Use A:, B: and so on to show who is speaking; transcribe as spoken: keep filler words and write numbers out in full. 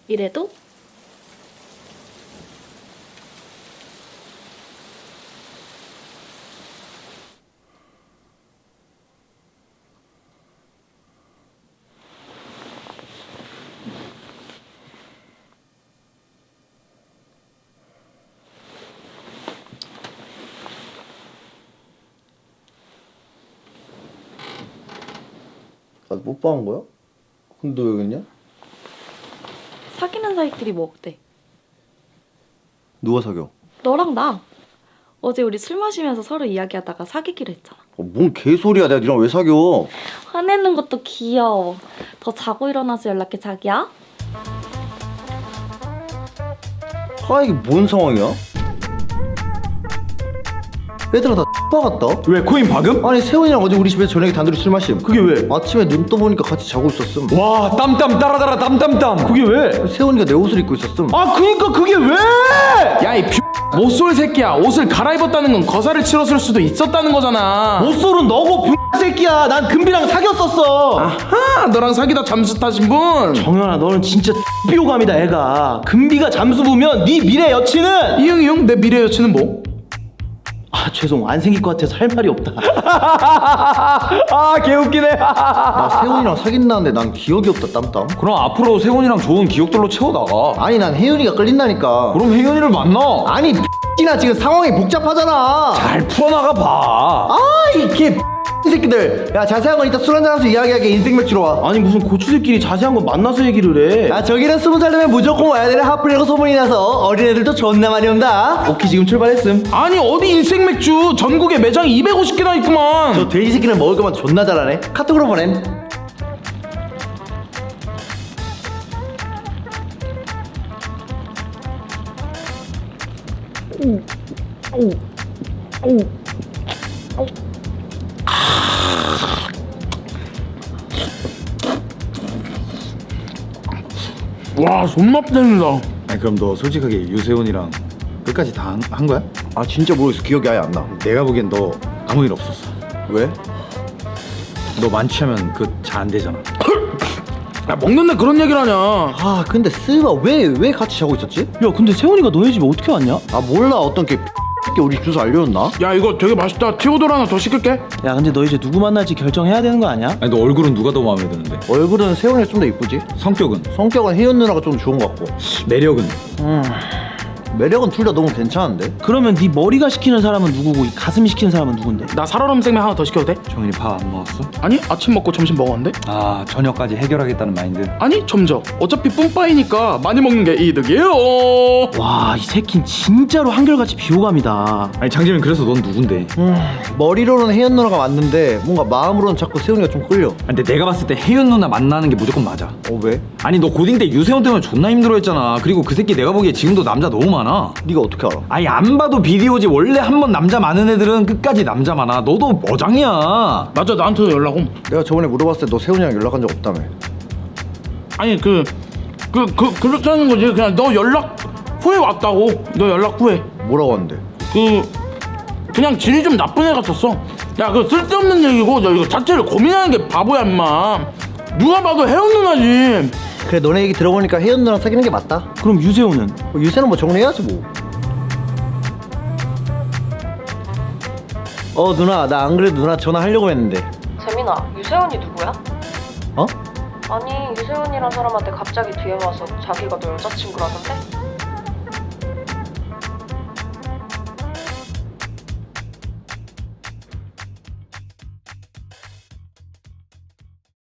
A: 이래도?
B: 나 뽀뽀한 거야? 근데 너 여기 있냐?
A: 사귀는 사이끼리 뭐 어때?
B: 누가 사겨?
A: 너랑 나. 어제 우리 술 마시면서 서로 이야기하다가 사귀기로 했잖아.
B: 어, 뭔 개소리야. 내가 니랑 왜 사겨?
A: 화내는 것도 귀여워. 더 자고 일어나서 연락해, 자기야.
B: 아 이게 뭔 상황이야? 얘들아 다 X박았다.
C: 왜 코인 박음?
B: 아니 세훈이랑 어제 우리 집에서 저녁에 단둘이 술 마심.
C: 그게 왜?
B: 아침에 눈 떠보니까 같이 자고 있었음.
C: 와 땀땀 따라따라 땀땀땀. 그게 왜?
B: 세훈이가 내 옷을 입고 있었음.
C: 아 그니까 그게 왜? 야이 못쏠 새끼야. 옷을 갈아입었다는 건 거사를 치렀을 수도 있었다는 거잖아.
D: 못쏠은 너고 병 새끼야. 난 금비랑 사귀었었어.
C: 아하, 너랑 사귀다 잠수 타신 분.
D: 정연아, 너는 진짜 비호감이다. 애가 금비가 잠수 보면 네 미래 여친은
C: 이형이 형, 내 미래 여친은 뭐?
D: 아 죄송, 안 생길 것 같아서 할 말이 없다.
C: 아 개웃기네.
B: 나 세훈이랑 사귄다는데 난 기억이 없다. 땀땀.
E: 그럼 앞으로 세훈이랑 좋은 기억들로 채워나가.
B: 아니 난 혜윤이가 끌린다니까.
E: 그럼 혜연이를 만나.
B: 아니 X나 지금 상황이 복잡하잖아.
E: 잘 풀어나가 봐.
B: 아이개 새끼들. 야 자세한 건 이따 술 한잔하면서 이야기하게. 인생 맥주로 와.
D: 아니 무슨 고추들끼리 자세한 건 만나서 얘기를 해.
B: 야 저기는 스무 살 되면 무조건 와야 되는 하플이라고 소문이 나서 어린애들도 존나 많이 온다.
D: 오키 지금 출발했음.
C: 아니 어디 인생 맥주 전국에 매장이 이백오십 개나 있구만.
B: 저 돼지 새끼는 먹을 거만 존나 잘하네. 카톡으로 보냄.
C: 와 존나 땡이다.
E: 아니 그럼 너 솔직하게 유세훈이랑 끝까지 다 한 거야?
B: 아 진짜 모르겠어. 기억이 아예 안 나.
E: 내가 보기엔 너 아무 일 없었어.
B: 왜?
E: 너 만취하면 그 잘 안 되잖아.
C: 야 먹는데 그런 얘기를 하냐.
B: 아 근데 스바 왜 왜 같이 자고 있었지?
D: 야 근데 세훈이가 너네 집에 어떻게 왔냐?
B: 아 몰라. 어떤 개 X끼 우리 주소 알려줬나?
C: 야 이거 되게 맛있다. 티오돌 하나 더 시킬게.
D: 야 근데 너 이제 누구 만날지 결정해야 되는 거 아니야?
E: 아니 너 얼굴은 누가 더 마음에 드는데?
B: 얼굴은 세훈이가 좀 더 이쁘지?
E: 성격은?
B: 성격은 혜윤 누나가 좀 좋은 것 같고.
E: 매력은?
B: 매력은 둘 다 너무 괜찮은데?
D: 그러면 네 머리가 시키는 사람은 누구고 이 가슴이 시키는 사람은 누군데?
C: 나 살얼음 생맥 하나 더 시켜도 돼?
E: 정현이 밥 안 먹었어?
C: 아니 아침 먹고 점심 먹었는데?
E: 아 저녁까지 해결하겠다는 마인드.
C: 아니 점저. 어차피 뿜빠이니까 많이 먹는 게 이득이에요.
D: 와 이 새끼는 진짜로 한결같이 비호감이다.
E: 아니 장재민 그래서 넌 누군데?
B: 음, 머리로는 혜연 누나가 맞는데 뭔가 마음으로는 자꾸 세훈이가 좀 끌려.
E: 아니, 근데 내가 봤을 때 혜윤 누나 만나는 게 무조건 맞아.
B: 어 왜?
E: 아니 너 고딩 때 유세훈 때문에 존나 힘들어했잖아. 그리고 그 새끼 내가 보기에 지금도 남자 너무 많아.
B: 네가 어떻게 알아?
E: 아니 안 봐도 비디오지. 원래 한 번 남자 많은 애들은 끝까지 남자 많아. 너도 어장이야.
C: 맞아 나한테도 연락 옴.
B: 내가 저번에 물어봤을 때 너 세훈이랑 연락한 적 없다며.
C: 아니 그 그 그 그렇다는 거지. 그냥 너 연락 후에 왔다고. 너 연락 후에.
B: 뭐라고 하는데?
C: 그 그냥 질이 좀 나쁜 애 같았어. 야 그 쓸데없는 얘기고 너 이거 자체를 고민하는 게 바보야 인마. 누가 봐도 혜연 누나지.
B: 그래 너네 얘기 들어보니까 혜연 누나랑 사귀는 게 맞다.
D: 그럼 유세훈은?
B: 뭐 유세는 뭐 정리해야지 뭐. 어 누나 나 안 그래도 누나 전화하려고 했는데.
A: 재민아, 유세훈이 누구야?
B: 어?
A: 아니, 유세훈이란 사람한테 갑자기 뒤에 와서 자기가 너 여자친구라는데?